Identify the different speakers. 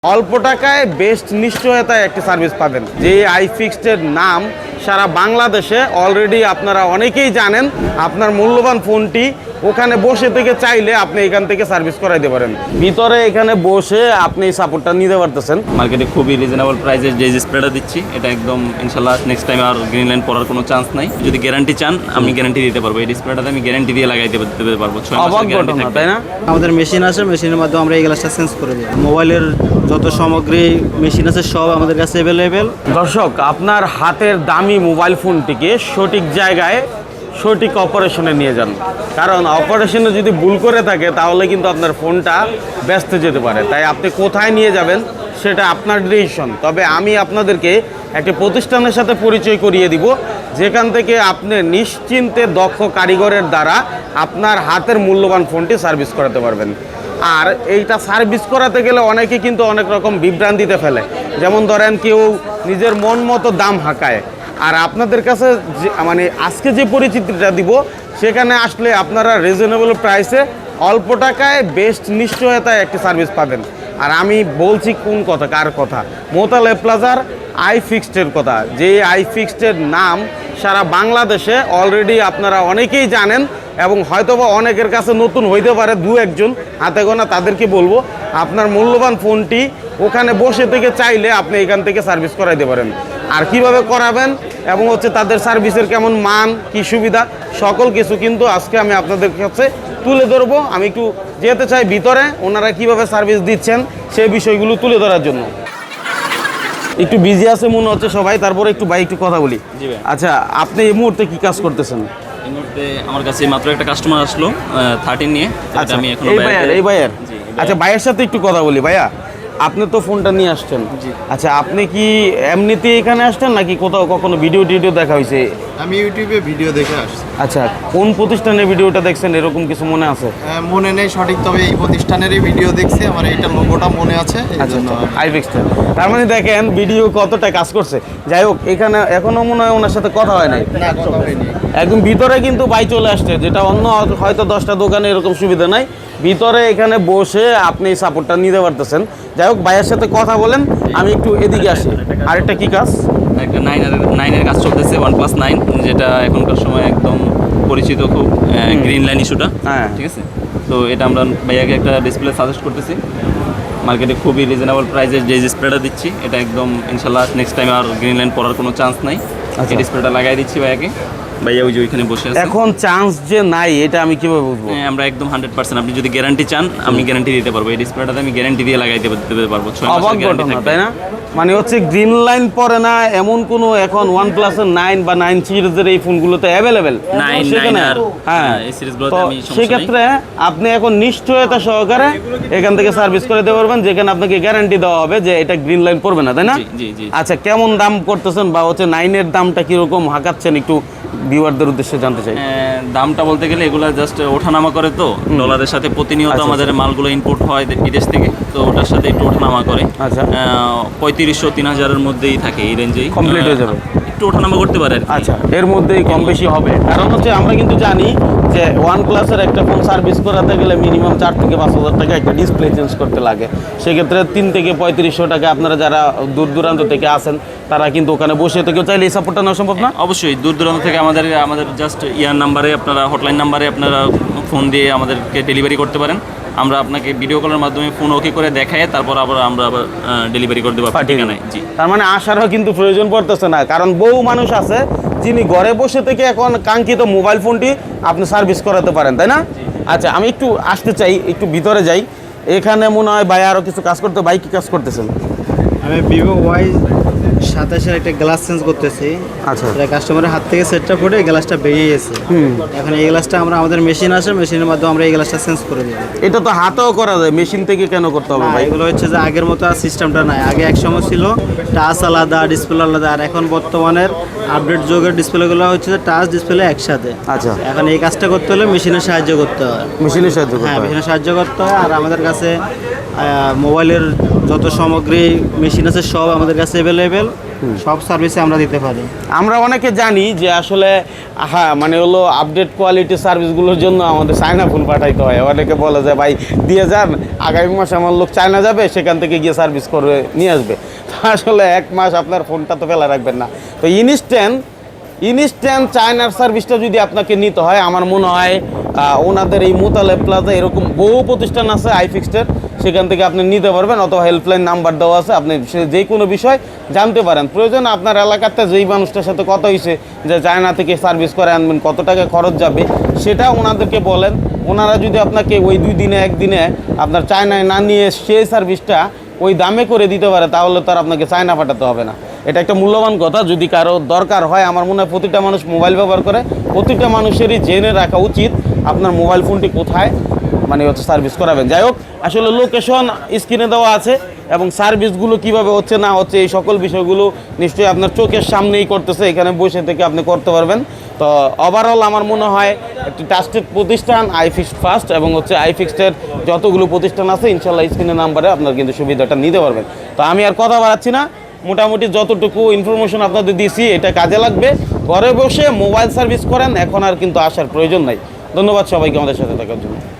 Speaker 1: অল্প টাকায় বেস্ট নিশ্চয়তায় একটি সার্ভিস পাবেন। যে আইফিক্সড এর নাম সারা বাংলাদেশে অলরেডি আপনারা অনেকেই জানেন। আপনার মূল্যবান ফোনটি ওখানে বসে থেকে চাইলে আপনি এখান থেকে সার্ভিস করাইতে পারেন। ভিতরে এখানে বসে আপনি এই সাপোর্টটা নিতে পারতেছেন।
Speaker 2: মার্কেটে খুবই রিজনেবল প্রাইসে যে স্প্রেটা দিচ্ছি এটা একদম ইনশাল্লাহ নেক্সট টাইম আর গ্রিন লাইন পড়ার কোনো চান্স নাই। যদি গ্যারান্টি চান আমি গ্যারান্টি দিতে পারবো। এই ডিসপ্লেটাতে আমি গ্যারান্টি দিয়ে লাগাইতে পারবো। 6 মাসের গ্যারান্টি থাকবে,
Speaker 1: তাই না?
Speaker 3: আমাদের মেশিন আছে, মেশিনের মাধ্যমে আমরা এই গ্লাসটা চেঞ্জ করে দিই। মোবাইলের যত সামগ্রী মেশিন আছে সব আমাদের কাছে অ্যাভেলেবেল।
Speaker 1: দর্শক, আপনার হাতের দামি মোবাইল ফোনটিকে সঠিক জায়গায় সঠিক অপারেশনে নিয়ে যান, কারণ অপারেশনে যদি ভুল করে থাকে তাহলে কিন্তু আপনার ফোনটা ব্যস্ত যেতে পারে। তাই আপনি কোথায় নিয়ে যাবেন সেটা আপনার ডিসিশন। তবে আমি আপনাদেরকে একটি প্রতিষ্ঠানের সাথে পরিচয় করিয়ে দিব, যেখান থেকে আপনি নিশ্চিন্তে দক্ষ কারিগরের দ্বারা আপনার হাতের মূল্যবান ফোনটি সার্ভিস করাতে পারবেন। আর এইটা সার্ভিস করাতে গেলে অনেকে কিন্তু অনেক রকম বিভ্রান্তিতে ফেলে। যেমন ধরেন কেউ নিজের মন মতো দাম হাঁকায়। আর আপনাদের কাছে মানে আজকে যে পরিচিতিটা দিব সেখানে আসলে আপনারা রিজনেবল প্রাইসে অল্প টাকায় বেস্ট নিশ্চয়তায় একটি সার্ভিস পাবেন। আর আমি বলছি কোন কথা, কার কথা? মোতালেব প্লাজার আইফিক্সডের কথা। যে আইফিক্সডের নাম সারা বাংলাদেশে অলরেডি আপনারা অনেকেই জানেন এবং হয়তোবা অনেকের কাছে নতুন হইতে পারে, দু একজন হাতে গোনা। তাদেরকে বলবো আপনার মূল্যবান ফোনটি ওখানে বসে থেকে চাইলে আপনি এখান থেকে সার্ভিস করাইতে পারেন। আর কিভাবে করাবেন এবং তাদের সার্ভিসের কেমন মান, কি সুবিধা, সকল কিছু কিন্তু আজকে আমি আপনাদের কাছে তুলে ধরবো। আমি একটু যেতে চাই ভিতরে, ওনারা কিভাবে সার্ভিস দিচ্ছেন সেই বিষয়গুলো তুলে ধরার জন্য। একটু বিজি আছে মনে হচ্ছে সবাই, তারপরে একটু একটু কথা বলি। আচ্ছা, আপনি এই মুহূর্তে কি কাজ করতেছেন?
Speaker 2: এই মুহূর্তে আমার কাছে মাত্র একটা কাস্টমার আসলো 13 নিয়ে।
Speaker 1: আচ্ছা,
Speaker 2: আমি এখন
Speaker 1: এই ভাইয়ের আচ্ছা, ভাইয়ের সাথে একটু কথা বলি। ভাইয়া, আপনি তো ফোনটা নিয়ে আসছেন। আচ্ছা, আপনি কি এমনিতে এখানে আসছেন নাকি কোথাও কখনো ভিডিও দেখা হয়েছে?
Speaker 4: আমি ইউটিউবে ভিডিও দেখে আসছি।
Speaker 1: আচ্ছা, কোন প্রতিষ্ঠানের ভিডিওটা দেখছেন এরকম কিছু মনে আছে?
Speaker 4: মনে নেই সঠিক, তবে এই প্রতিষ্ঠানেরই ভিডিও দেখছি। আমার এইটা লোগোটা মনে আছে।
Speaker 1: আচ্ছা, আইফিক্সড। তার মানে দেখেন ভিডিও কতটা কাজ করছে। যাই হোক, এখানে এখনো মনে হয় ওনার সাথে কথা হয় নাই।
Speaker 4: না, কথা হয়নি।
Speaker 1: একদম ভিতরে কিন্তু ভাই চলে আসছে, যেটা অন্য হয়তো 10টা দোকানে এরকম সুবিধা নাই। ভিতরে এখানে বসে আপনি সাপোর্টটা নিতে পারতেছেন। যাই হোক, ভাইয়ের সাথে কথা বলেন, আমি একটু এদিকে আসি। আরেকটা কি কাজ?
Speaker 2: একটা 9 কাজ চলতেছে, OnePlus 9, যেটা এখনকার সময় একদম পরিচিত খুব গ্রিন লাইন ইস্যুটা।
Speaker 1: হ্যাঁ,
Speaker 2: ঠিক আছে। তো এটা আমরা ভাইয়াকে একটা ডিসপ্লে সাজেস্ট করতেছি। মার্কেটে খুবই রিজনেবল প্রাইসে যে স্প্রেটা দিচ্ছি এটা একদম ইনশাল্লাহ নেক্সট টাইম আর গ্রিন লাইন পড়ার কোনো চান্স নাই। এই ডিসপ্লেটা লাগাই দিচ্ছি ভাইয়াকে। ভাইয়া ওই যে ওইখানে বসে আছে।
Speaker 1: এখন চান্স যে নাই এটা আমি কিভাবে বুঝবো?
Speaker 2: আমরা একদম 100%। আপনি যদি গ্যারান্টি চান আমি গ্যারান্টি দিতে পারবো। এই ডিসপ্লেটাতে আমি গ্যারান্টি দিয়ে লাগাইতে পারবো। 6 মাসের গ্যারান্টি থাকবে,
Speaker 1: তাই না? মানে গ্রিন লাইন পরে না এমন কোনো এখন OnePlus 9 বা 9 সিরিজের এই ফোনগুলোতে অ্যাভেলেবেল। হ্যাঁ,
Speaker 2: এই সিরিজগুলোতে আমি
Speaker 1: সেক্ষেত্রে আপনি এখন নিশ্চয়তা সহকারে এখান থেকে সার্ভিস করে দিতে পারবেন, যেখানে আপনাকে গ্যারান্টি দেওয়া হবে যে এটা গ্রিন লাইন পড়বে না, তাই না?
Speaker 2: জি জি।
Speaker 1: আচ্ছা, কেমন দাম করতেছেন বা 9 এর দামটা কিরকম হাঁকাচ্ছেন একটু ভিউয়ারদের উদ্দেশ্যে জানতে চাই।
Speaker 2: দামটা বলতে গেলে এগুলো জাস্ট ওঠানামা করে, তো ডলারের সাথে প্রতিনিয়ত আমাদের মালগুলো ইম্পোর্ট হয় বিদেশ থেকে, তো ওটার সাথে একটু ওঠানামা করে।
Speaker 1: আচ্ছা,
Speaker 2: 3500-3000-এর মধ্যেই থাকে, এই রেঞ্জেই
Speaker 1: কমপ্লিট হয়ে যাবে।
Speaker 2: একটু ওঠানামা করতে পারে।
Speaker 1: আচ্ছা, এর মধ্যেই কম বেশি হবে। কারণ আমরা কিন্তু জানি যে OnePlus-এর একটা ফোন সার্ভিস করাতে গেলে মিনিমাম 4 থেকে 5,000 টাকা একটা ডিসপ্লে চেঞ্জ করতে লাগে। সেক্ষেত্রে 3 থেকে 3500 টাকা আপনারা যারা দূর দূরান্ত থেকে আসেন তারা কিন্তু ওখানে বসে থেকেও চাইলে এই সাপোর্টটা নেওয়া সম্ভব না?
Speaker 2: অবশ্যই দূর দূরান্ত থেকে আমাদের জাস্ট নাম্বারে আপনারা, হটলাইন নাম্বারে আপনারা ফোন দিয়ে আমাদেরকে ডেলিভারি করতে পারেন। আমরা আপনাকে ভিডিও কলের মাধ্যমে ফোন ওকে করে দেখাই, তারপর আমরা আবার ডেলিভারি করে দেবো ঠিকানায়। জি,
Speaker 1: তার মানে আসারও কিন্তু প্রয়োজন পড়তেছে না, কারণ বহু মানুষ আছে যিনি ঘরে বসে থেকে এখন কাঙ্ক্ষিত মোবাইল ফোনটি আপনি সার্ভিস করাতে পারেন, তাই না? আচ্ছা, আমি একটু আসতে চাই, একটু ভিতরে যাই। এখানে মনে হয় ভাই আরও কিছু কাজ করতে। ভাই কি কাজ করতেছেন?
Speaker 3: আমি Vivo Y27 একটা গ্লাস চেঞ্জ করতেছি।
Speaker 1: আচ্ছা,
Speaker 3: এটা কাস্টমারের হাত থেকে সেটটা পড়ে গ্লাসটা বেরিয়ে গেছে। এখন এই গ্লাসটা আমাদের মেশিন আছে, মেশিনের মাধ্যমে আমরা এই গ্লাসটা চেঞ্জ করে দিই।
Speaker 1: এটা তো হাতেও করা যায়, মেশিন থেকে কেন করতে হবে ভাই?
Speaker 3: এগুলো হচ্ছে যে আগের মতো আর সিস্টেমটা নাই। আগে এক সময় ছিল টাচ আলাদা, ডিসপ্লে আলাদা, আর এখন বর্তমানের আপডেট যুগের ডিসপ্লেগুলো হচ্ছে যে টাচ ডিসপ্লে একসাথে।
Speaker 1: আচ্ছা,
Speaker 3: এখন এই কাজটা করতে হলে মেশিনের সাহায্য করতে হয়।
Speaker 1: মেশিনের সাহায্য করতে
Speaker 3: হ্যাঁ,
Speaker 1: হয়।
Speaker 3: মেশিনের সাহায্য করতে হয়। আর আমাদের কাছে মোবাইলের যত সামগ্রী মেশিন আছে সব আমাদের কাছে অ্যাভেলেবেল। সব সার্ভিসে আমরা দিতে পারি।
Speaker 1: আমরা অনেকে জানি যে আসলে হ্যাঁ মানে হলো আপডেট কোয়ালিটি সার্ভিসগুলোর জন্য আমাদের চায়না ফোন পাঠাইতে হয়। অনেকে বলে যে ভাই দিয়ে যান, আগামী মাসে আমার লোক চায়না যাবে, সেখান থেকে গিয়ে সার্ভিস করে নিয়ে আসবে। তো আসলে 1 মাস আপনার ফোনটা তো ফেলা রাখবেন না। তো ইনস্ট্যান্ট চায়নার সার্ভিসটা যদি আপনাকে নিতে হয়, আমার মনে হয় ওনাদের এই মোতালেব প্লাজা এরকম বহু প্রতিষ্ঠান আছে আইফিক্সডের, সেখান থেকে আপনি নিতে পারবেন, অথবা হেল্পলাইন নাম্বার দেওয়া আছে, আপনি যে কোনো বিষয় জানতে পারেন। প্রয়োজন আপনার এলাকাতে যেই মানুষটার সাথে কথা হয়েছে যে চায়না থেকে সার্ভিস করে আনবেন, কত টাকা খরচ যাবে, সেটা ওনাদেরকে বলেন। ওনারা যদি আপনাকে ওই 2 দিনে 1 দিনে আপনার চায়নায় না নিয়ে সেই সার্ভিসটা ওই দামে করে দিতে পারে, তাহলে তো আর আপনাকে চায়না পাঠাতে হবে না। এটা একটা মূল্যবান কথা। যদি কারো দরকার হয়, আমার মনে হয় প্রতিটা মানুষ মোবাইল ব্যবহার করে, প্রতিটা মানুষেরই জেনে রাখা উচিত আপনার মোবাইল ফোনটি কোথায় মানে হচ্ছে সার্ভিস করাবেন। যাই হোক, আসলে লোকেশন স্ক্রিনে দেওয়া আছে এবং সার্ভিসগুলো কিভাবে হচ্ছে না হচ্ছে এই সকল বিষয়গুলো নিশ্চয়ই আপনার চোখের সামনেই করতেছে, এখানে বসে থেকে আপনি করতে পারবেন। তো ওভারঅল আমার মনে হয় একটি ট্রাস্টেড প্রতিষ্ঠান আইফিক্সড ফার্স্ট, এবং হচ্ছে আইফিক্সডের যতগুলো প্রতিষ্ঠান আছে ইনশাল্লাহ স্ক্রিনের নাম্বারে আপনার কিন্তু সুবিধাটা নিতে পারবেন। তো আমি আর কথা বাড়াচ্ছি না, মোটামুটি যতটুকু ইনফরমেশন আপনাদের দিয়েছি এটা কাজে লাগবে। ঘরে বসে মোবাইল সার্ভিস করেন, এখন আর কিন্তু আসার প্রয়োজন নাই। ধন্যবাদ সবাইকে আমাদের সাথে থাকার জন্য।